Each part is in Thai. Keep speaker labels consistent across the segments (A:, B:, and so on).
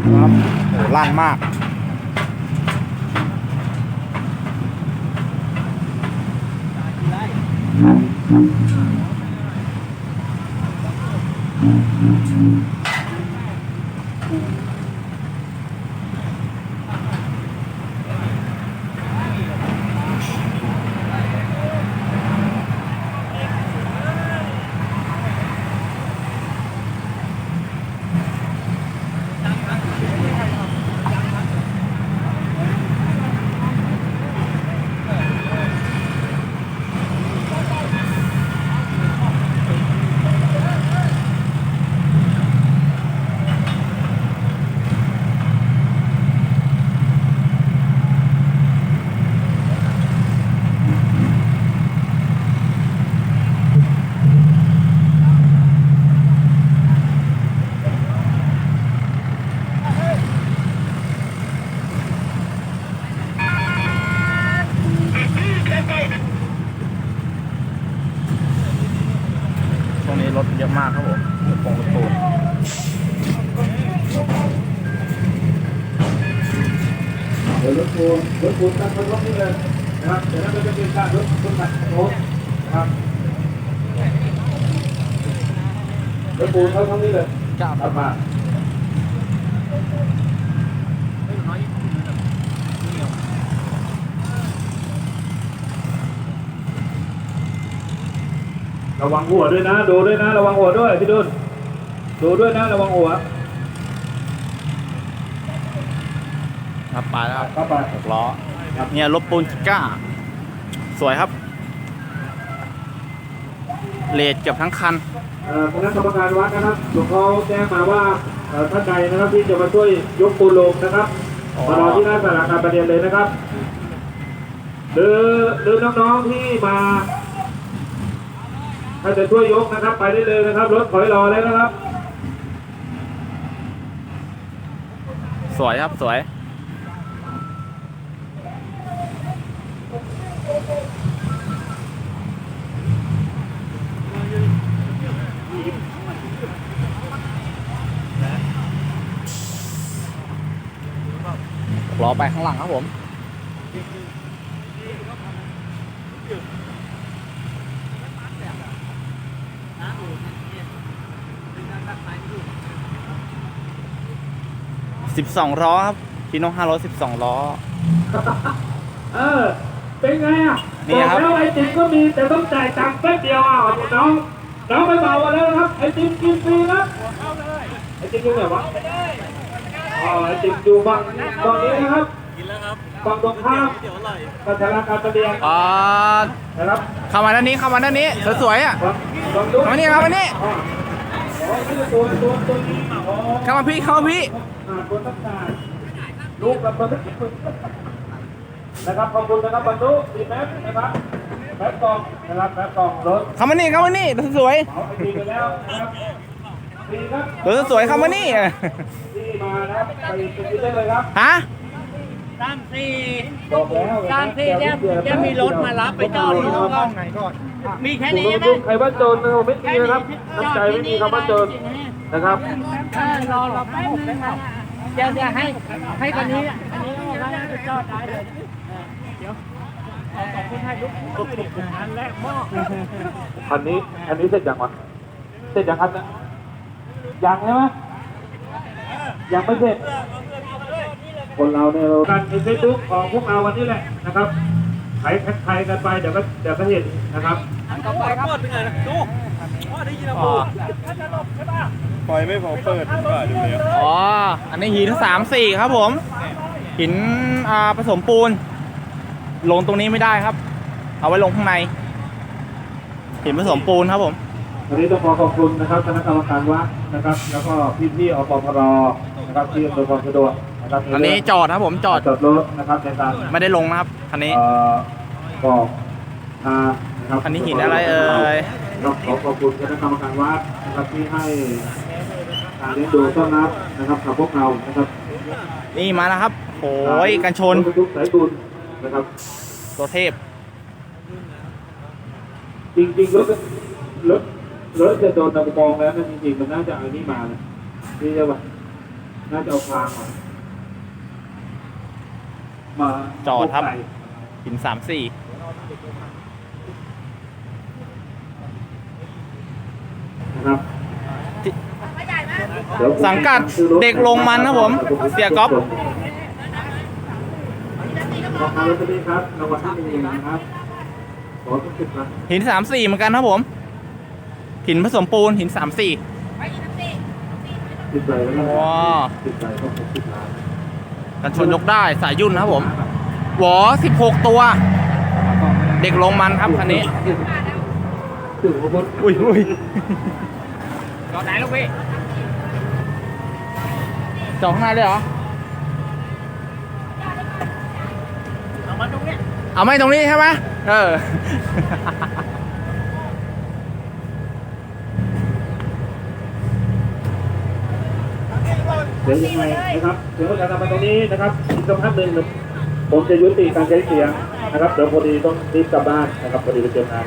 A: ครับโหลั่นมากช่วงนี้รถเยอะมากครับผมรถปูน
B: เดี๋ยวรถปูนตั้งรถนี่เลยนะครับเดี๋ยวเราจะเป็นการรถตัดโน้ตนะครับรถปูนเขาทั้งนี้เลยกลับมาระวังหัวด้วยนะดูด้วยนะระวังหัวด้วยพี่ดุลดูด้วยนะระวังหัว
A: ครับไปแล้วครับ
B: เข้าไป
A: 6 ล้อเนี่ยรถปูนก้าสวยครับเลดเกือบทั้งคัน
B: คณะกรรมการวัดนะครับหลวงพ่อแจ้งมาว่าท่านใดนะครับที่จะมาช่วยยกปูนลงนะครับมารอที่หน้าสาราการประเรียนเลยนะครับหรือน้องๆที่มาถ้าจะช่วยยกนะครับไปได้เลยนะครับรถถอยรอแล้วนะครับ
A: สวยครับสวยล้อไปข้างหลังครับผม12 ล้อครับพีโน่500 12 ล้อ
B: เป็นไงอ่ะ
A: นี่ครับ
B: แล้วไอติมก็มีแต่ต้องจ่ายตังค์แป๊บเดียวอ่ะน้องไปเบากันแล้วนะครับไอติมกินฟรีนะไอติมอยู่ไหนวะไอติมอยู่ฝั่งนี้นะครับฝั่งตรงข้ามปัทราการประเดียงนะครับ
A: เข้ามาด้านนี้สวยๆอ่ะเข้ามานี่เข้ามาพี่
B: ตัวตั้งแต่ลูกกับตัวนะครับขอบคุณนะครับบรรลุดีแม็กนะครับแม็กกองนะครับแม็กกองรถ
A: เข้ามานี่สวย
B: เอาไปดีกันแล้วนะครับดีครับ
A: รถสวยเข้ามานี่
B: ที่มานะครับไปกินได้เลยครับ
A: ฮะ
B: 34บอกแล้ว
C: จะมีรถมารับไปจอดที่ห้องไหนก่อนมีแค่นี้ไหม
B: ใครว่าโจรไม่มีนะครับน้ำใจไม่มีคำว่าโจรนะครับ
C: รอแป๊บนึงนะจะให้คนนี้อันนี้ไปจอดได้เลยเดี๋ยวขอบคุณให้ลูกอันแรกหม้อ
B: อันนี้เสร็จยังวะเสร็จยังครับเนี่ยยังใช่ไหมยังไม่เสร็จคนเราเนี่ยการในเฟซบุ๊กของพวกเราวันนี้แหละนะครับใครกันไปเดี๋ยวก็เห็นนะครับ
C: ต่อไปครับเป็นไงนะดูได้ยินแล้ว
D: ปล่อยไม่พอเปิดก็ดูเลย
A: อันนี้หิน3-4ครับผมหินผสมปูนลงตรงนี้ไม่ได้ครับเอาไว้ลงข้างในหินผสมปูนครับผม
B: วันนี้ต้องขอบคุณนะครับคณะกรรมการวัดนะครับแล้วก็พี่อปพรนะครับที่อำนวยความสะดวกนะครับ
A: อันนี้จอดครับผมจอด
B: รถนะครับในการ
A: ไม่ได้ลงนะครับคันนี้
B: บอกนะครับ
A: คันนี้หินอะไร
B: ต้องขอบคุณคณะกรรมการวัดนะครับที่ให้การเลี้ยงดูต้อนรับนะครับกับพวกเรานะครับ
A: นี่มาแล้วครับโอ้ยกันชน
B: ทุกสายบุญนะครับ
A: ตัวเทพ
B: จริงรถจะโดนตะกองแล้วนะจริงๆมันน่าจะเอานี่มานะนี่ใช่ปะน่าจะเอาพางมา
A: จอดครับ หิน3-4
B: นะครับ
A: สังกัดเด็กลงมันครับผม เสียก๊อฟ
B: ขอบคุณรถนี้ครับรางวัลที่1นะครับขอทุกสิบนะ
A: หิน3-4เหมือนกันครับผม หินผสมปูนหิน3-4
B: ติดใจแล้วนะ
A: ว้า
B: ติดใจต้องติดล้าน
A: กันชนยกได้สายยุ่นนะครับผมหวอ16 ตัว เด็กลงมันครับคันนี้
B: ถึงพุทธ
A: อุ้ยจอดไหนลูกพี่จอดข้างในเลยเหรอ เอาไม่ตรงนี้ใช่ไหมเออ
B: เดี๋ยวยังไงนะครับเดี๋ยวการทำมาตรงนี้นะครับอีกสักพักหนึ่งผมจะยุติการใช้เสียงนะครับเดี๋ยวพอดีต้องรีบกลับบ้านนะครับพอดีไปเจองาน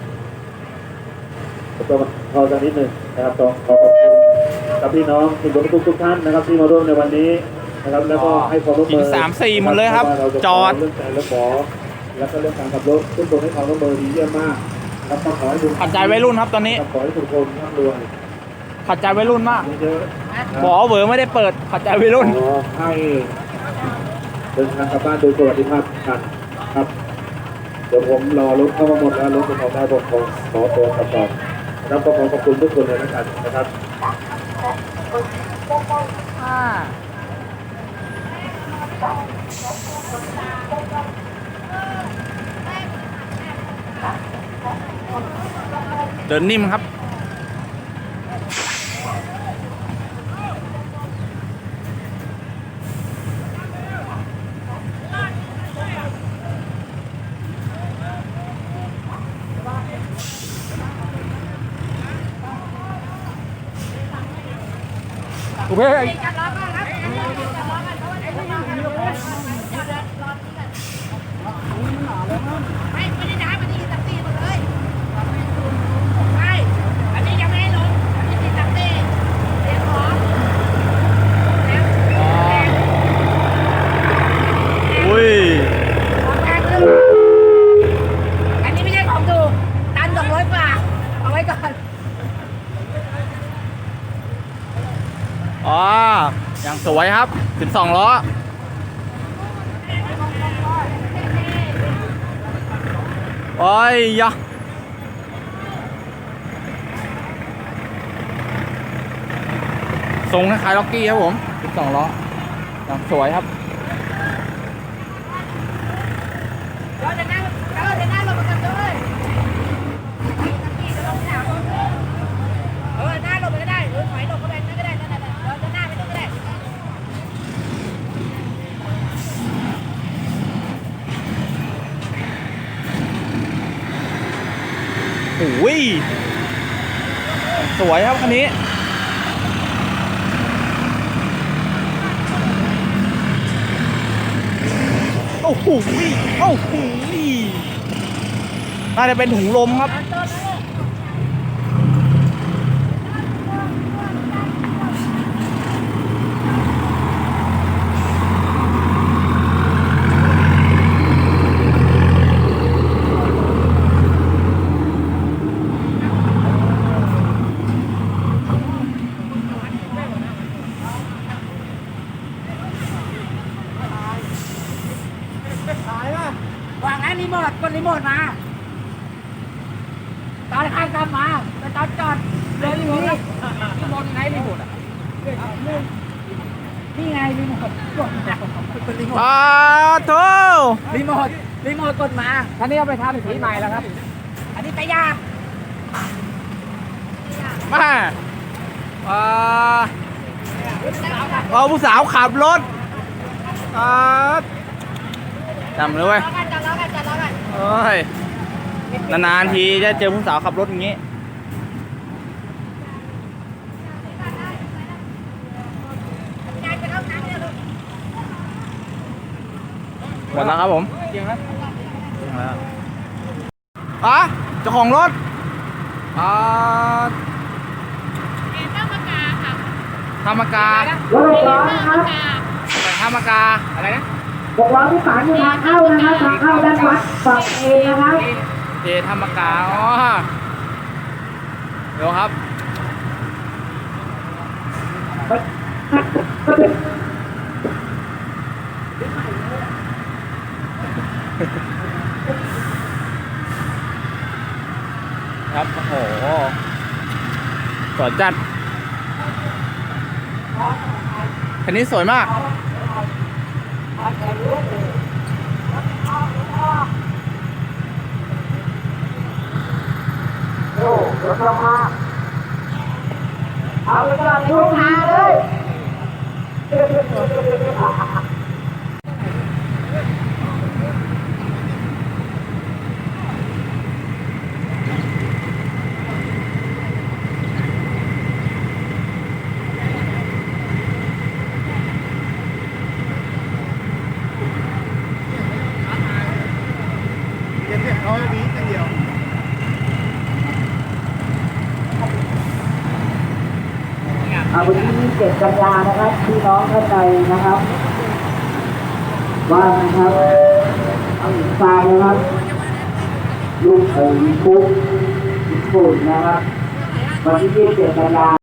B: ต้องพอสักนิดหนึ่งนะครับต้องขอขอบคุณกับพี่น้องทุกท่านนะครับที่มาร่วมในวันนี้นะครับแล้วก็ให้ความร่วมมือ
A: หิน3-4หมดเลยครับจอด
B: เรื่องใจและขอแล้วก็เรื่องการขับรถทุกคนให้ความร่วมมือดีเยี่ยมมากแล้วก็ขอให้ทุก
A: ขัดใจวัยรุ่นครับตอนนี้
B: ขอให้ทุกคนร่ำรวย
A: ขัดใจวัยรุ่นมาก
B: เยอะ
A: หมอเหวอไม่ได้เปิดขัดใจวัยรุ่น
B: ขอให้เดินทางกลับบ้านโดยสวัสดิภาพกันครับเดี๋ยวผมรอรถเข้ามาหมดแล้วรถเป็นของได้ผมขอตัวกลับก่อนนะครับก็ขอขอบคุณทุกคนเลยแล้วกันนะครับ
A: เดินนิ่มครับ โอเค
E: ไม่ได้น้ำมันนี่ตักตีหมดเลยใช่อันนี้ยังไม่ให้ลงอันนี้ติดตักตีเรียกของแล้ว
A: อุ้ย
E: ของแพงเลยอันนี้ไม่ใช่ของถูกตัน200 กว่าเอาไว้ก่อน
A: อ๋อ อย่างสวยครับ12 ล้อ โอ้ยยะทรงคล้ายๆล็อกกี้ครับผม12 ล้อ อย่างสวยครับ
E: เราจะนั่งลงมากันด้วยหน้าลงไปก็ได้หรือถอยลงก็ได้นั่นก็ได้นั่นเราจะหน้าไปนู่นก็ได้
A: โอ้ย สวยครับคันนี้ โอ้โหโอ้โหน่าจะเป็นถุงลมครับ
E: วางไอ้รีโมทกดรีโมทมา ตอนข้างกลับมาไปตอนจอดเดินอยู่นี่รีโมทไหนรีโมทอ่ะนี่ไงรีโมทกดรีโมท
A: โธ่
E: รีโมทกดมาท่านนี้เอาไปทำสีใหม่แล้วครับ อันนี้ตะยาก
A: มาเอาผู้สาวขับรถจำเลยเว้ย
E: จัดล้อกัน
A: เอ้ย นานๆทีจะเจอผู้สาวขับรถอย่างนี้
E: ยายไปเข้าน้ำเนี่ยลูก
A: หมดแล้วครับผมจริงไหมเจ้าของรถ
E: เอ็นต้องมากาค่ะ
A: ธรรมการ
B: ถ6 ล้อนะครับ
A: แต่ธรรมกาอะไรนะ
B: 6 ล้อที่ฝานอยู่ทางเข้านะครับทางเข้าด้านวัดฝั่งเอนะครับ
A: เจธรรมกาอ๋อเดี๋ยวครับ ครับโอ้โหสวยจัดคันนี้สวยมาก
B: เอาไปจอดทุกทางเลย
D: เก็บเก็บเขาอย่างนี้อย่างเดียว
B: วันนี้7 กันยานะครับพี่น้องท่านใดนะครับว่างนะครับเอาหญิงทรายนะครับลูกเอ๋ยปุ๊บญี่ปุ่นนะครับวันที่27 กันยา